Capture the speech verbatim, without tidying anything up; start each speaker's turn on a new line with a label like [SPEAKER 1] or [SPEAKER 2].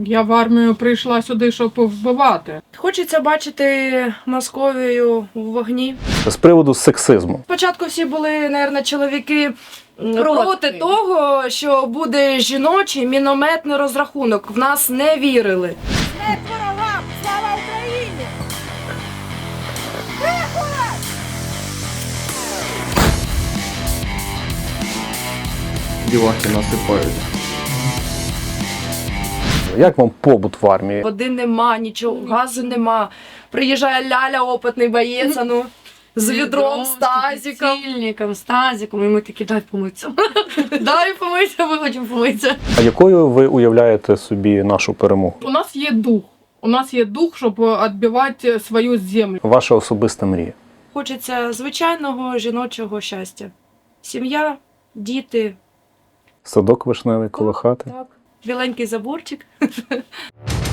[SPEAKER 1] Я в армію прийшла сюди, щоб вбивати.
[SPEAKER 2] Хочеться бачити Московію у вогні.
[SPEAKER 3] З приводу сексизму.
[SPEAKER 2] Спочатку всі були, мабуть, чоловіки проти.
[SPEAKER 1] Проти.
[SPEAKER 2] того, що буде жіночий мінометний розрахунок. В нас не вірили.
[SPEAKER 4] Смерть ворогам! Слава Україні!
[SPEAKER 5] Дівахи насипають.
[SPEAKER 3] Як вам побут в армії?
[SPEAKER 2] Води нема, нічого, газу нема. Приїжджає ляля, опитний боєць, а ну, з відром, з тазиком.
[SPEAKER 6] З з тазиком, і ми такі, дай помитися. Дай помитися, ми хочемо помитися.
[SPEAKER 3] А якою ви уявляєте собі нашу перемогу?
[SPEAKER 1] У нас є дух. У нас є дух, щоб відбивати свою землю.
[SPEAKER 3] Ваша особиста мрія?
[SPEAKER 2] Хочеться звичайного жіночого щастя. Сім'я, діти,
[SPEAKER 3] Садок вишневий коло хати?
[SPEAKER 2] так, біленький заборчик.